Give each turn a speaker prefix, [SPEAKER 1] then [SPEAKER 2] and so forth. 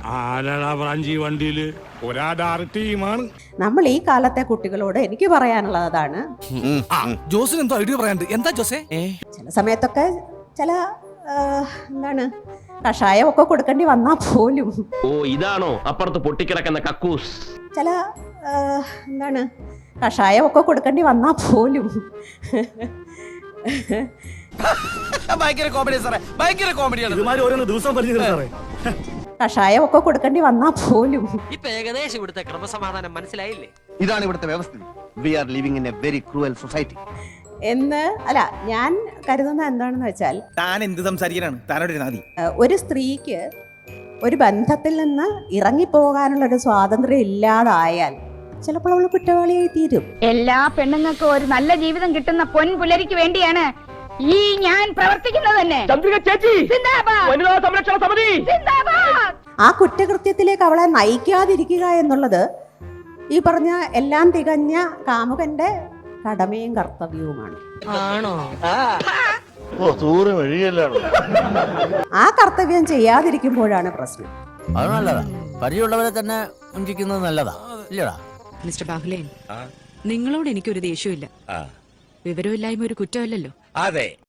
[SPEAKER 1] ആരാടാ ബ്രാഞ്ചി വണ്ടിയില് ഒരാടാറ് ടീമാണ്.
[SPEAKER 2] നമ്മൾ ഈ കാലത്തെ കുട്ടികളോട് എനിക്ക് പറയാനുള്ളത് അതാണ്.
[SPEAKER 3] ജോസിന് എന്തോ ഐഡിയ പറയാണ്ട്. എന്താ ജോസേ?
[SPEAKER 2] ചില സമയത്തൊക്കെ ചില എന്താണ് കഷായം ഒക്കെ കൊടുക്കേണ്ടി വന്നാ പോലും.
[SPEAKER 4] ഓ ഇതാണോ അപ്പുറത്ത് പൊട്ടിക്കിടക്കുന്ന കക്കൂസ്?
[SPEAKER 2] ചില എന്താണ് കഷായം ഒക്കെ കൊടുക്കേണ്ടി വന്നാ പോലും.
[SPEAKER 3] ഭയങ്കര കോമഡി സാറേ, ഭയങ്കര കോമഡിയാണ്.
[SPEAKER 2] കഷായം ഒക്കെ കൊടുക്കേണ്ടി വന്നാ പോലും.
[SPEAKER 5] ഇപ്പൊ ഏകദേശം ഇവിടുത്തെ ക്രമസമാധാനം മനസ്സിലായില്ലേ?
[SPEAKER 6] ഇതാണ് ഇവിടുത്തെ വ്യവസ്ഥ. We are living in a very cruel society
[SPEAKER 2] എന്ന് അല്ല ഞാൻ കരുതുന്നത് എന്താണെന്ന് വെച്ചാൽ,
[SPEAKER 3] താൻ എന്ത് സംസാരിക്കാനാണ്? താനോട് നാദി.
[SPEAKER 2] ഒരു സ്ത്രീക്ക് ഒരു ബന്ധത്തിൽ നിന്ന് ഇറങ്ങിപ്പോകാനുള്ള ഒരു സ്വാതന്ത്ര്യം ഇല്ലാതായാൽ ചിലപ്പോൾ അവൾ കുറ്റവാളിയായി തീരും.
[SPEAKER 7] എല്ലാ പെണ്ണുങ്ങൾക്കും ഒരു നല്ല ജീവിതം കിട്ടുന്ന പൊൻപുലരിക്ക് വേണ്ടിയാണ് ഈ ഞാൻ പ്രവർത്തിക്കുന്നത് തന്നെ.
[SPEAKER 2] ആ കുറ്റകൃത്യത്തിലേക്ക് അവളെ നയിക്കാതിരിക്കുക എന്നുള്ളത് ഈ പറഞ്ഞ എല്ലാം തികഞ്ഞ കാമുകന്റെ കടമയും കർത്തവ്യവുമാണ്. ആ കർത്തവ്യം ചെയ്യാതിരിക്കുമ്പോഴാണ് പ്രശ്നം.
[SPEAKER 8] അത് നല്ലതാ. പരിചയമുള്ളവരെ തന്നെ വഞ്ചിക്കുന്നത് നല്ലതാ, ഇല്ലടാ?
[SPEAKER 9] മിസ്റ്റർ ബാഹുലേ, നിങ്ങളോട് എനിക്കൊരു ദേഷ്യമില്ല. വിവരമില്ലായ്മ ഒരു കുറ്റമല്ലല്ലോ.
[SPEAKER 1] അതെ.